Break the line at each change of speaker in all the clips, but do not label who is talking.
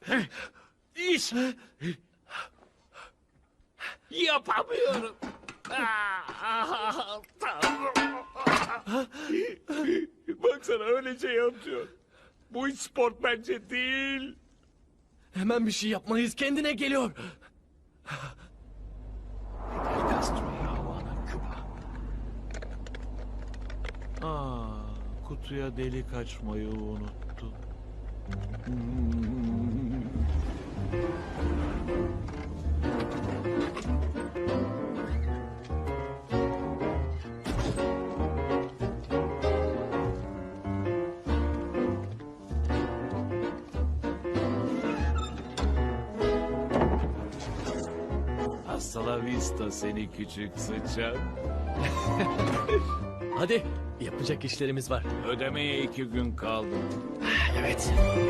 İş. Yapamıyorum. Tanrım. Baksana öylece yatıyor. Bu hiç spor bence değil.
Hemen bir şey yapmalıyız. Kendine geliyor.
Kutuya delik açmayı unuttum. Hasta la vista seni küçük sıçan.
Hadi. Yapacak işlerimiz var.
Ödemeye 2 gün kaldı.
Evet.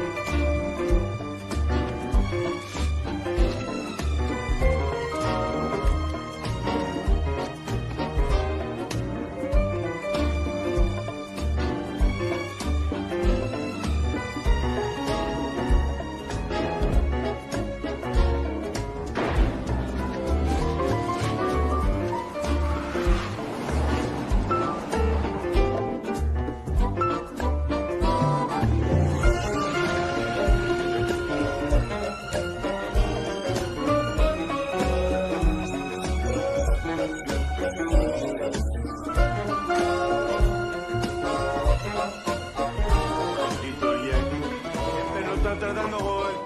Lo están tratando hoy.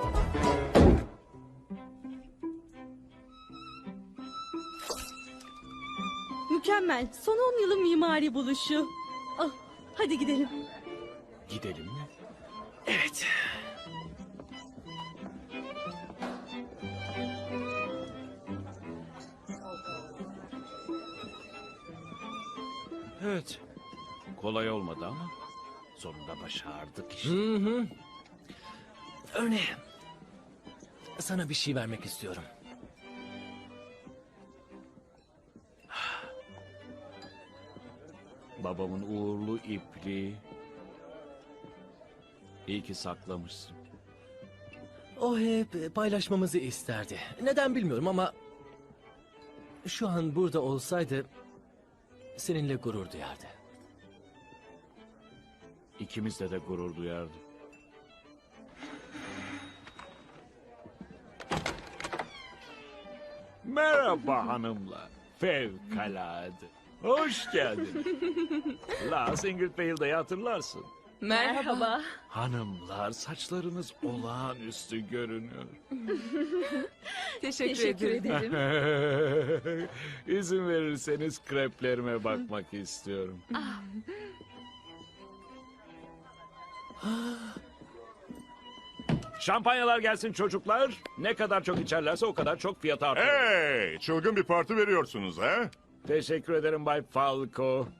Mükemmel. Son 10 yılın mimari buluşu. Ah, hadi gidelim.
Gidelim mi?
Evet.
Evet. Kolay olmadı ama sonunda başardık işte.
Örneğin. Sana bir şey vermek istiyorum.
Babamın uğurlu ipliği. İyi ki saklamışsın.
O hep paylaşmamızı isterdi. Neden bilmiyorum ama... Şu an burada olsaydı... Seninle gurur duyardı.
İkimizle de gurur duyardık. Merhaba hanımlar. Fevkalade. Hoş geldin. La Singleton'da hatırlarsın.
Merhaba.
Hanımlar saçlarınız olağanüstü görünüyor.
Teşekkür ederim.
İzin verirseniz kreplerime bakmak istiyorum. Şampanyalar gelsin çocuklar. Ne kadar çok içerlerse o kadar çok fiyat artıyor.
Hey, çılgın bir parti veriyorsunuz ha?
Teşekkür ederim Bay Falco.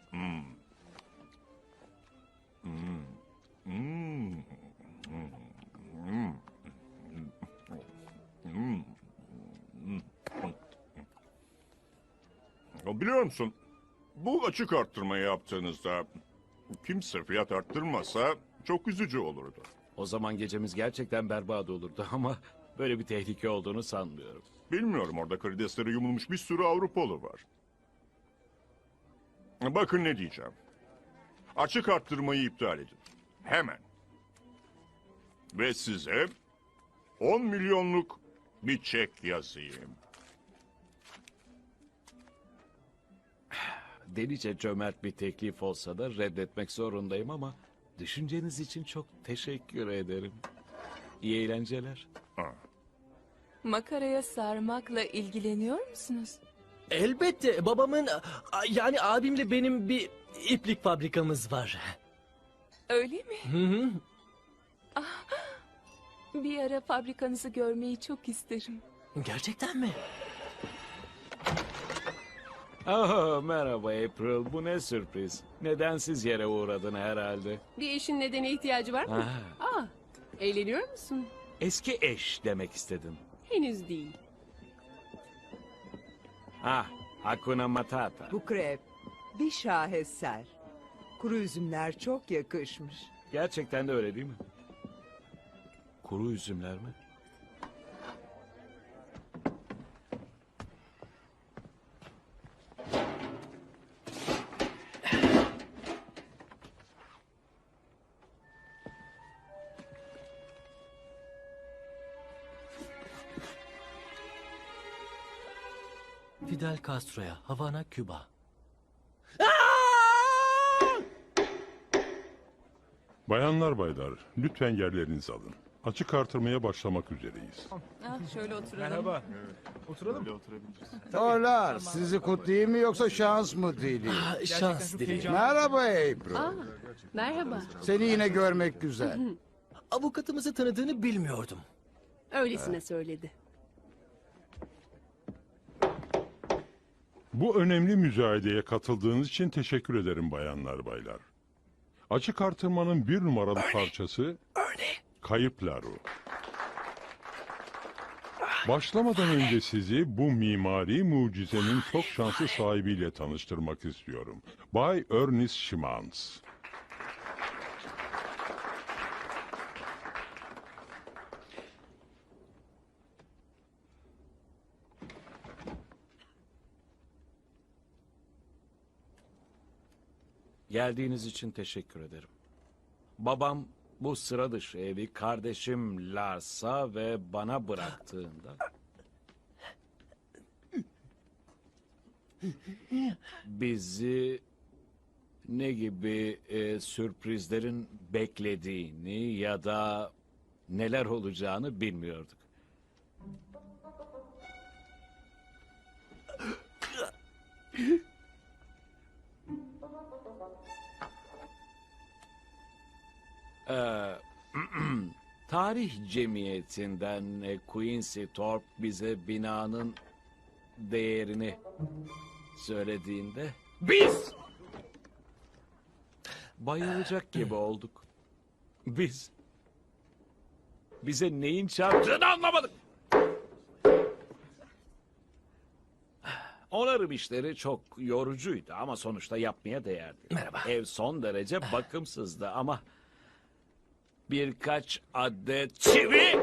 Biliyor musun? Bu açık arttırmayı yaptığınızda kimse fiyat arttırmasa çok üzücü olurdu.
O zaman gecemiz gerçekten berbat olurdu ama böyle bir tehlike olduğunu sanmıyorum.
Bilmiyorum, orada karideslere yumulmuş bir sürü Avrupalı var. Bakın ne diyeceğim. Açık arttırmayı iptal edin. Hemen. Ve size 10 milyonluk bir çek yazayım.
Delice cömert bir teklif olsa da reddetmek zorundayım ama düşünceniz için çok teşekkür ederim. İyi eğlenceler.
Makaraya sarmakla ilgileniyor musunuz?
Elbette babamın... Yani abimle benim bir iplik fabrikamız var.
Öyle mi?
Hı hı.
Bir ara fabrikanızı görmeyi çok isterim.
Gerçekten mi?
Merhaba April. Bu ne sürpriz. Nedensiz yere uğradın herhalde.
Bir eşin nedeni ihtiyacı var mı?
Ha,
Eğleniyor musun?
eski eş demek istedim.
Henüz değil.
Hakuna Matata.
Bu krep bir şaheser. Kuru üzümler çok yakışmış.
Gerçekten de öyle değil mi? Kuru üzümler mi?
Fidel Castro'ya, Havana, Küba.
Bayanlar baylar, lütfen yerlerinizi alın. Açık artırmaya başlamak üzereyiz.
Şöyle oturalım.
Dolar, sizi kutlayayım mı yoksa şans mı dileyim?
Şans dilerim.
Merhaba April.
Merhaba.
Seni yine görmek güzel.
Avukatımızı tanıdığını bilmiyordum.
Öylesine söyledi.
Bu önemli müzayedeye katıldığınız için teşekkür ederim bayanlar baylar. Açık artırmanın bir numaralı parçası Kayıp Laru. Başlamadan önce sizi bu mimari mucizenin çok şanslı sahibiyle tanıştırmak istiyorum. Bay Ernest Schimans.
Geldiğiniz için teşekkür ederim. Babam bu sıra dışı evi kardeşim Lars'a ve bana bıraktığında... bizi ne gibi sürprizlerin beklediğini ya da neler olacağını bilmiyorduk. Tarih cemiyetinden Quincy Thorpe bize binanın değerini söylediğinde biz bayılacak gibi olduk. Bize neyin çarptığını anlamadık. Onarım işleri çok yorucuydu ama sonuçta yapmaya değerdi.
Merhaba.
Ev son derece bakımsızdı ama birkaç adet çivi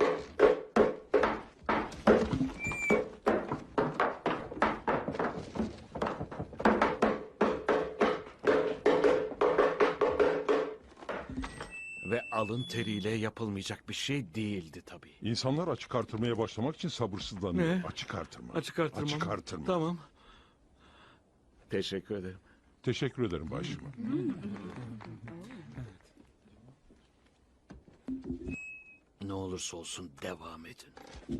ve alın teriyle yapılmayacak bir şey değildi tabii.
İnsanlar açık artırmaya başlamak için sabırsızlanıyor.
Ne?
Açık artırma.
Açık artırma.
Açık
mı?
artırma.
Tamam. Teşekkür ederim.
Teşekkür ederim başım.
Ne olursa olsun devam edin.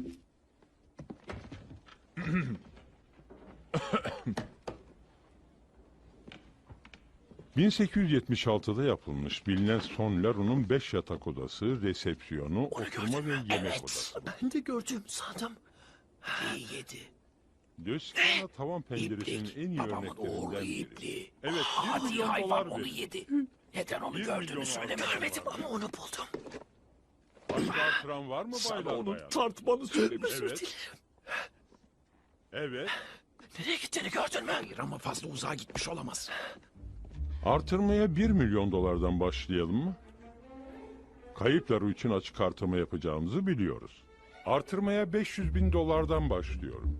...1876'da yapılmış bilinen Son Laru'nun 5 yatak odası, resepsiyonu, oturma ve yemek odası.
Ben de gördüm sandım. İyi yedi.
Döskana tavan penceresinin en iyi örneklerinden biri. Evet, 1 milyon dolar verin.
yedi. Neden onu
1 milyon
söylemedim ama onu buldum.
Açık artıran var mı baylar bayan?
Tartmanı söylemiş.
Evet. Evet.
Nereye gittiğini gördün mü?
Hayır ama fazla uzağa gitmiş olamaz.
Artırmaya 1 milyon dolardan başlayalım mı? Kayıp Laru için açık artırma yapacağımızı biliyoruz. Artırmaya 500 bin dolardan başlıyorum.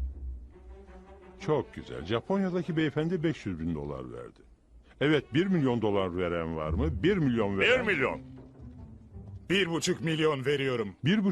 Çok güzel. Japonya'daki beyefendi 500 bin dolar verdi. Evet, 1 milyon dolar veren var mı? 1 milyon veren.
1 milyon.
1,5 milyon veriyorum.
1,5